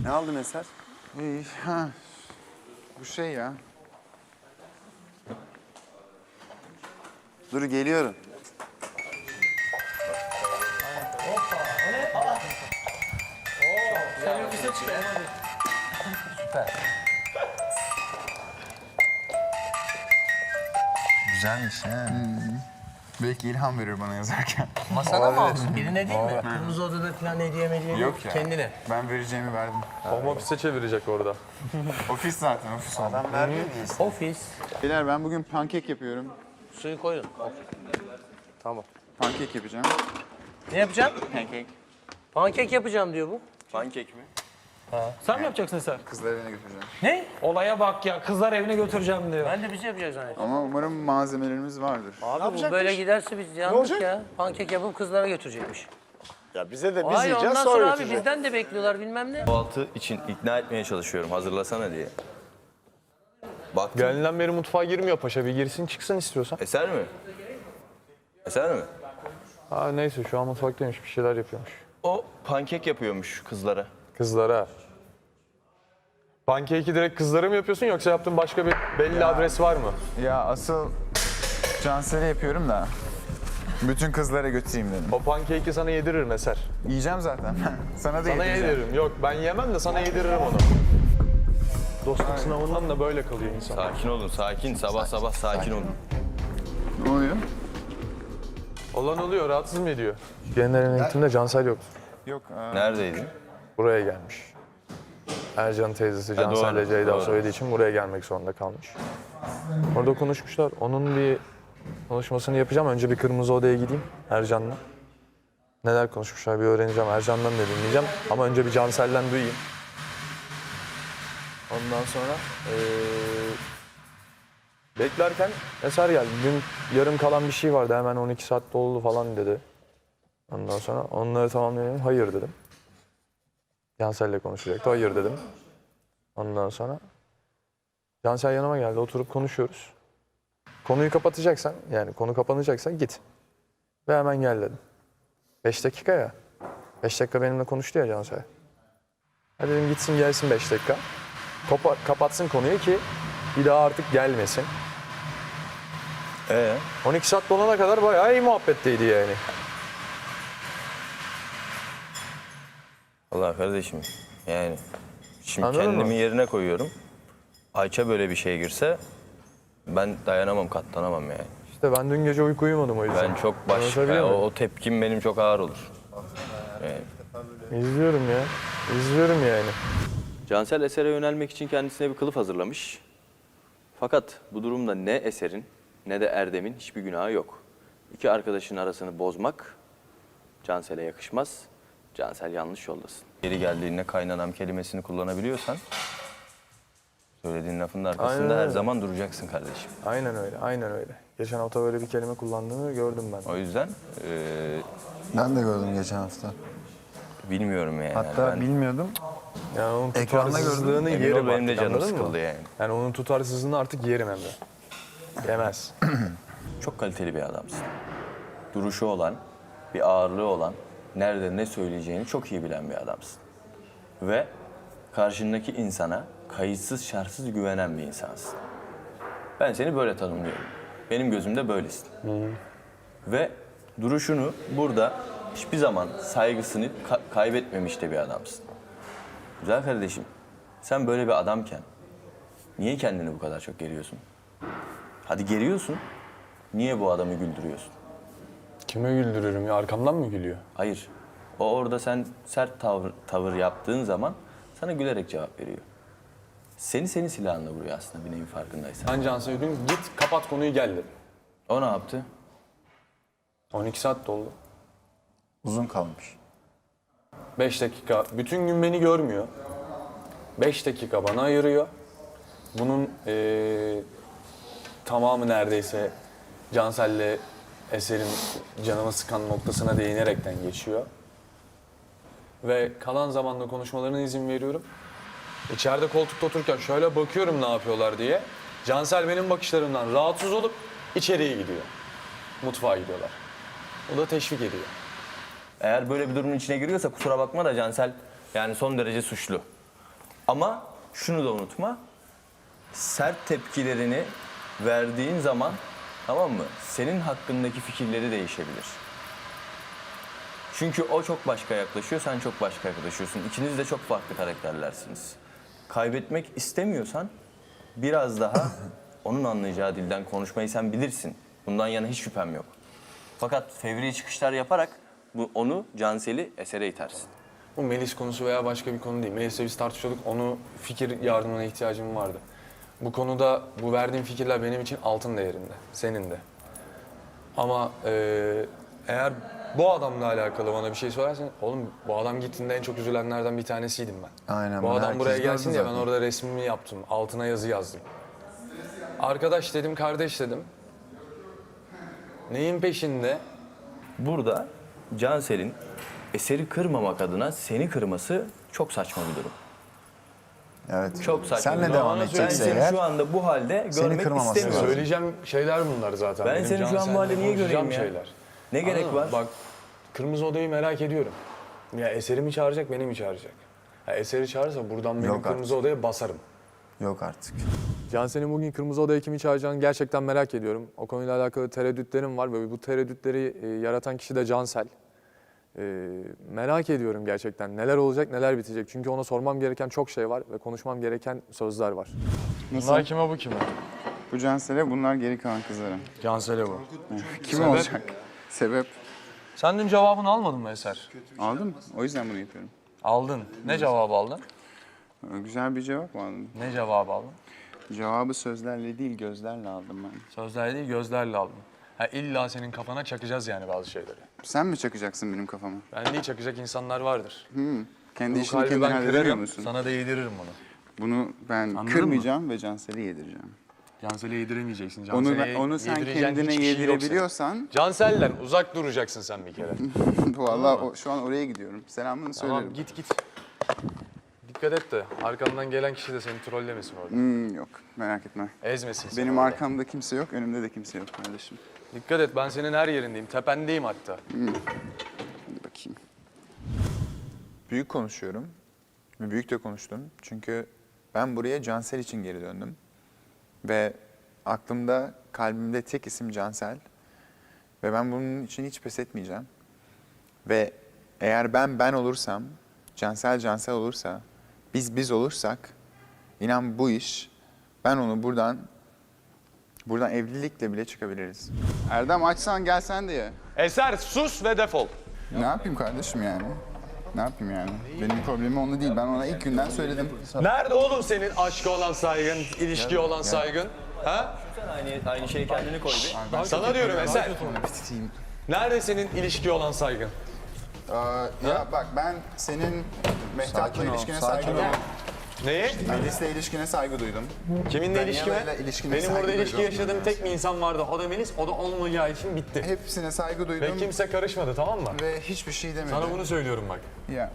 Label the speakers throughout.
Speaker 1: Ne aldın Eser?
Speaker 2: Ha, bu şey ya.
Speaker 1: Dur geliyorum.
Speaker 2: Güzelmiş ha. Belki ilham verir bana yazarken.
Speaker 3: Masana mı alsın? Birine değil mi? Kırmızı odada falan hediye mediye
Speaker 2: Yok ya.
Speaker 3: kendine.
Speaker 2: Ben vereceğimi verdim.
Speaker 4: Home office'e çevirecek orada.
Speaker 2: Ofis zaten, ofis oldu.
Speaker 1: Adam vermiyor muyuz?
Speaker 3: Ofis.
Speaker 2: Beyler ben bugün pankek yapıyorum.
Speaker 3: Suyu koydun. Tamam.
Speaker 2: Pankek yapacağım.
Speaker 3: Ne yapacaksın?
Speaker 2: Pankek.
Speaker 3: Pankek yapacağım diyor bu.
Speaker 1: Pankek mi?
Speaker 5: Sen mi yapacaksın Eser?
Speaker 2: Kızlar evine götüreceğim.
Speaker 5: Ne? Olaya bak ya. Kızlar evine götüreceğim diyor.
Speaker 3: Ben de bizi yapacağız zannettim.
Speaker 2: Ama umarım malzemelerimiz vardır.
Speaker 3: Abi bu böyle giderse biz yandık ya. Pankek yapıp kızlara götürecekmiş.
Speaker 6: Ya bize de biz
Speaker 3: Hayır
Speaker 6: yiyeceğiz
Speaker 3: ondan
Speaker 6: sonra
Speaker 3: sonra abi
Speaker 6: götüreceğiz.
Speaker 3: bizden de bekliyorlar bilmem ne.
Speaker 7: Kahvaltı için ikna etmeye çalışıyorum. Hazırlasana diye. Baktım.
Speaker 4: Geldiğinden beri mutfağa girmiyor paşa. Bir girsin çıksın istiyorsan.
Speaker 7: Eser mi? Eser mi?
Speaker 4: Ha neyse şu an mutfaktaymış. Bir şeyler yapıyormuş.
Speaker 7: O pankek yapıyormuş kızlara.
Speaker 4: Kızlara. Pancake'i direkt kızlara mı yapıyorsun yoksa yaptığın başka bir belli adres var mı?
Speaker 2: Ya asıl Cansel'e yapıyorum da bütün kızlara götüreyim dedim.
Speaker 4: O pancake'i sana yediririm Eser.
Speaker 2: Yiyeceğim zaten. Sana da
Speaker 4: Sana
Speaker 2: yedireceğim.
Speaker 4: yediririm. Yok ben yemem de sana yediririm onu. Dostluk sınavından da böyle kalıyor insan.
Speaker 7: Sakin olun, sakin. Sabah sabah sakin olun.
Speaker 2: Ne oluyor?
Speaker 4: Olan oluyor, rahatsız mı ediyor? Genel eğitimde Cansel yoktu.
Speaker 2: Yok.
Speaker 7: Neredeydin?
Speaker 4: Buraya gelmiş. Ercan teyzesi
Speaker 7: doğru,
Speaker 4: Cansel'le Ceyda
Speaker 7: doğru.
Speaker 4: söylediği için buraya gelmek zorunda kalmış. Orada konuşmuşlar. Onun bir konuşmasını yapacağım. Önce bir kırmızı odaya gideyim Ercan'la. Neler konuşmuşlar bir öğreneceğim. Ercan'dan da dinleyeceğim. Ama önce bir Cansel'den duyayım. Ondan sonra beklerken Eser geldi. Dün yarım kalan bir şey vardı. Hemen 12 saat doldu falan dedi. Ondan sonra onları tamamlayalım. Hayır dedim. Cansel'le konuşacaktı. Hayır dedim. Ondan sonra Cansel yanıma geldi. Oturup konuşuyoruz. Konuyu kapatacaksan, yani konu kapanacaksa git. Ve hemen gel dedim. 5 dakika ya. 5 dakika benimle konuştu ya Cansel. Hadi dedim gitsin gelsin 5 dakika. Kapatsın konuyu ki bir daha artık gelmesin. 12 saat dolana kadar bayağı iyi muhabbetteydi yani.
Speaker 7: Allah kardeşim, yani şimdi
Speaker 4: Anladın
Speaker 7: kendimi
Speaker 4: mı?
Speaker 7: yerine koyuyorum. Ayça böyle bir şeye girse ben dayanamam, katlanamam yani.
Speaker 4: İşte ben dün gece uyku uyumadım o yüzden.
Speaker 7: Ben çok
Speaker 4: Anlatabiliyor muyum?
Speaker 7: o tepkim benim çok ağır olur.
Speaker 4: İzliyorum ya. İzliyorum yani.
Speaker 7: Cansel Eser'e yönelmek için kendisine bir kılıf hazırlamış. Fakat bu durumda ne Eser'in ne de Erdem'in hiçbir günahı yok. İki arkadaşın arasını bozmak Cansel'e yakışmaz. Cansel yanlış yoldasın. Geri geldiğinde kaynanam kelimesini kullanabiliyorsan söylediğin lafın arkasında
Speaker 4: Aynen
Speaker 7: her
Speaker 4: öyle.
Speaker 7: zaman duracaksın kardeşim.
Speaker 4: Aynen öyle, aynen öyle. Geçen hafta böyle bir kelime kullandığını gördüm ben.
Speaker 7: O yüzden
Speaker 1: Ben de gördüm geçen hafta.
Speaker 7: bilmiyorum yani.
Speaker 1: Hatta
Speaker 7: ben,
Speaker 1: bilmiyordum.
Speaker 4: Yani onun
Speaker 1: Ekranda
Speaker 4: tutarsızlığını
Speaker 7: emin ol
Speaker 4: yerim
Speaker 7: benim de
Speaker 4: artık,
Speaker 7: canım
Speaker 4: anladın mı?
Speaker 7: sıkıldı yani.
Speaker 4: Yani onun tutarsızlığını artık yerim hem de. Yemez.
Speaker 7: Çok kaliteli bir adamsın. Duruşu olan, bir ağırlığı olan, nerede ne söyleyeceğini çok iyi bilen bir adamsın. Ve karşındaki insana kayıtsız şartsız güvenen bir insansın. Ben seni böyle tanımlıyorum. Benim gözümde böylesin. Ve duruşunu burada hiçbir zaman saygısını kaybetmemiş de bir adamsın. Güzel kardeşim, sen böyle bir adamken niye kendini bu kadar çok geriyorsun? Hadi geriyorsun, niye bu adamı güldürüyorsun?
Speaker 4: Kime güldürüyorum ya? Arkamdan mı gülüyor?
Speaker 7: Hayır. O orada sen sert tavır yaptığın zaman sana gülerek cevap veriyor. Seni silahınla vuruyor aslında bir neyin farkındaysan.
Speaker 4: Ben Cansel'e dün git kapat konuyu gel dedim.
Speaker 7: O ne yaptı?
Speaker 4: 12 saat doldu.
Speaker 1: Uzun kalmış.
Speaker 4: 5 dakika. Bütün gün beni görmüyor. 5 dakika bana ayırıyor. Bunun tamamı neredeyse Cansel'le Eser'in canımı sıkan noktasına değinerekten geçiyor. Ve kalan zamanda konuşmalarına izin veriyorum. İçeride koltukta otururken şöyle bakıyorum ne yapıyorlar diye. Cansel benim bakışlarımdan rahatsız olup içeriye gidiyor. Mutfağa gidiyorlar. O da teşvik ediyor.
Speaker 7: Eğer böyle bir durumun içine giriyorsa kusura bakma da Cansel yani son derece suçlu. Ama şunu da unutma. Sert tepkilerini verdiğin zaman, tamam mı? Senin hakkındaki fikirleri değişebilir. Çünkü o çok başka yaklaşıyor, sen çok başka yaklaşıyorsun. İkiniz de çok farklı karakterlersiniz. Kaybetmek istemiyorsan biraz daha onun anlayacağı dilden konuşmayı sen bilirsin. Bundan yana hiç şüphem yok. Fakat fevri çıkışlar yaparak onu, Cansel'i esere itersin.
Speaker 4: Bu Melis konusu veya başka bir konu değil. Melis'le biz tartışıyorduk. Onu fikir yardımına ihtiyacım vardı. Bu konuda bu verdiğim fikirler benim için altın değerinde. Senin de. Ama eğer bu adamla alakalı bana bir şey söylersen... Oğlum bu adam gittiğinde en çok üzülenlerden bir tanesiydim ben.
Speaker 1: Aynen,
Speaker 4: Bu
Speaker 1: bunu
Speaker 4: adam
Speaker 1: herkes
Speaker 4: buraya
Speaker 1: gördü
Speaker 4: gelsin diye ben
Speaker 1: zaten.
Speaker 4: orada resmimi yaptım. Altına yazı yazdım. Arkadaş dedim, kardeş dedim. Neyin peşinde?
Speaker 7: Burada Cansel'in eseri kırmamak adına seni kırması çok saçma bir durum.
Speaker 1: Evet.
Speaker 7: Çok saçma.
Speaker 1: Senle
Speaker 7: bir
Speaker 1: devam
Speaker 7: durum.
Speaker 1: edecekse
Speaker 7: Ben seni
Speaker 1: eğer
Speaker 7: şu anda bu halde
Speaker 1: seni
Speaker 7: görmek
Speaker 1: kırmaması
Speaker 7: istemiyorum.
Speaker 4: Söyleyeceğim şeyler bunlar zaten.
Speaker 7: Ben
Speaker 4: Benim
Speaker 7: seni şu an bu
Speaker 4: Cansel'le
Speaker 7: halde niye göreyim
Speaker 4: konuşacağım
Speaker 7: ya? Ne gerek
Speaker 4: Anladın mı?
Speaker 7: var?
Speaker 4: Bak, Kırmızı Oda'yı merak ediyorum. Ya Eser'i mi çağıracak, beni mi çağıracak? Ya Eser'i çağırırsa buradan benim
Speaker 1: Yok
Speaker 4: Kırmızı Oda'ya basarım.
Speaker 1: yok artık.
Speaker 4: Cansel'in bugün Kırmızı Oda'ya kimi çağıracağını gerçekten merak ediyorum. O konuyla alakalı tereddütlerim var ve bu tereddütleri yaratan kişi de Cansel. Merak ediyorum gerçekten neler olacak, neler bitecek. Çünkü ona sormam gereken çok şey var ve konuşmam gereken sözler var.
Speaker 2: Nasıl?
Speaker 4: kime, bu kime?
Speaker 2: Bu Cansel'e, bunlar geri kalan kızlara.
Speaker 4: Cansel'e bu.
Speaker 2: Kim olacak? Sebep?
Speaker 4: Sen dün cevabını almadın mı Eser?
Speaker 2: Aldım. O yüzden bunu yapıyorum.
Speaker 4: Aldın. Ne cevabı aldın?
Speaker 2: Güzel bir cevap mı aldın?
Speaker 4: Ne cevabı aldın?
Speaker 2: Cevabı sözlerle değil, gözlerle aldım ben.
Speaker 4: Sözlerle değil, gözlerle aldın. Ha, illa senin kafana çakacağız yani bazı şeyleri.
Speaker 2: Sen mi çakacaksın benim kafama?
Speaker 4: Ben değil, çakacak insanlar vardır.
Speaker 2: Kendi
Speaker 4: Bu
Speaker 2: işini
Speaker 4: kalbi
Speaker 2: kendin
Speaker 4: ben
Speaker 2: hallediyor
Speaker 4: kırarım,
Speaker 2: musun?
Speaker 4: sana da yediririm bunu.
Speaker 2: Bunu ben
Speaker 4: Anladın
Speaker 2: kırmayacağım ve Cansel'e yedireceğim.
Speaker 4: Cansel'e yediremeyeceksin.
Speaker 2: Onu sen kendine yedirebiliyorsan,
Speaker 4: Cansel'den uzak duracaksın sen bir kere.
Speaker 2: vallahi şu an oraya gidiyorum. Selamını söylerim.
Speaker 4: Tamam, git. Dikkat et de arkandan gelen kişi de seni trollemesin orada.
Speaker 2: Yok, merak etme.
Speaker 4: Ezmesin seni
Speaker 2: Benim
Speaker 4: orada.
Speaker 2: arkamda kimse yok, önümde de kimse yok kardeşim.
Speaker 4: Dikkat et, ben senin her yerindeyim. Tependeyim hatta.
Speaker 2: Hadi bakayım.
Speaker 6: Büyük konuşuyorum ve büyük de konuştum. Çünkü ben buraya Cansel için geri döndüm. Ve aklımda, kalbimde tek isim Cansel. Ve ben bunun için hiç pes etmeyeceğim. Ve eğer ben olursam, Cansel olursa, biz olursak, inan bu iş, ben onu buradan evlilikle bile çıkabiliriz.
Speaker 2: Erdem açsan gel sen de ye.
Speaker 4: Eser, sus ve defol.
Speaker 2: Ne yapayım kardeşim yani? Ne yapayım yani? Benim problemim onunla değil. Ben ona ilk günden söyledim.
Speaker 4: Nerede oğlum senin aşka olan saygın, ilişkiye olan saygın? Ha?
Speaker 7: Sen aynı şeyi kendine koy bir.
Speaker 4: Sana diyorum Eser. Nerede senin ilişkiye olan saygın?
Speaker 2: Ya bak ben senin Mehtap'la ilişkine saygı duydum.
Speaker 4: Neyi?
Speaker 2: Melis'le ilişkine saygı duydum.
Speaker 4: Kiminle
Speaker 2: Ben
Speaker 4: ilişkime?
Speaker 2: Yalayla ilişkine
Speaker 4: Benim
Speaker 2: saygı
Speaker 4: burada ilişki
Speaker 2: duydum.
Speaker 4: yaşadığım tek bir insan vardı. O da Melis. O da olmayacağı için bitti.
Speaker 2: Hepsine saygı duydum
Speaker 4: Ve kimse karışmadı, tamam mı?
Speaker 2: ve hiçbir şey demedim.
Speaker 4: Sana bunu söylüyorum bak.
Speaker 2: Ya.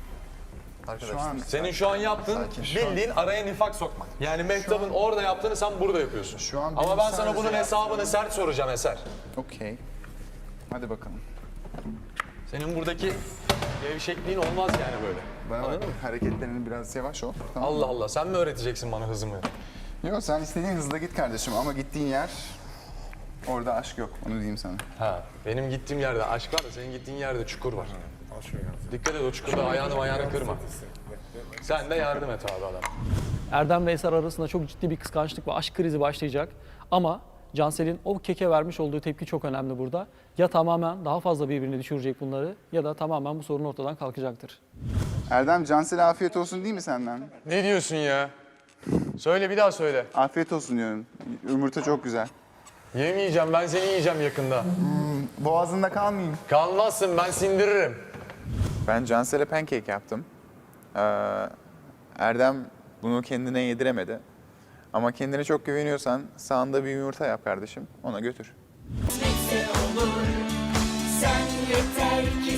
Speaker 2: Şu an
Speaker 4: Senin şu an yaptığın bildiğin araya nifak sokmak. Yani Mehtap'ın orada yaptığını sen burada yapıyorsun.
Speaker 2: Şu an
Speaker 4: Ama
Speaker 2: benim
Speaker 4: ben sana
Speaker 2: sadece
Speaker 4: bunun hesabını sert soracağım Eser.
Speaker 2: okey. Hadi bakalım.
Speaker 4: Senin buradaki gevşekliğin olmaz yani böyle.
Speaker 2: Bana bak hareketlerini biraz yavaş ol. Tamam mı?
Speaker 4: Allah Allah, sen mi öğreteceksin bana hızımı?
Speaker 2: Yok sen istediğin hızla git kardeşim ama gittiğin yer orada aşk yok. Onu diyeyim sana.
Speaker 4: Ha, benim gittiğim yerde aşk var da senin gittiğin yerde çukur var. Dikkat et, o çukurda ayağını kırma. Sen de yardım et abi adam.
Speaker 8: Erdem ve Eser arasında çok ciddi bir kıskançlık ve aşk krizi başlayacak. Ama Cansel'in o keke vermiş olduğu tepki çok önemli burada. Ya tamamen daha fazla birbirini düşürecek bunları ya da tamamen bu sorun ortadan kalkacaktır.
Speaker 2: Erdem Cansel'e afiyet olsun değil mi senden?
Speaker 4: Ne diyorsun ya? Söyle, bir daha söyle.
Speaker 2: Afiyet olsun diyorum. Yumurta çok güzel.
Speaker 4: Yemeyeceğim, ben seni yiyeceğim yakında.
Speaker 2: Boğazında kalmayayım.
Speaker 4: Kalmazsın, ben sindiririm.
Speaker 6: Ben Cansel'e pancake yaptım. Erdem bunu kendine yediremedi. Ama kendine çok güveniyorsan sağında bir yumurta yap kardeşim. Ona götür.
Speaker 9: Neyse olur, sen yeter ki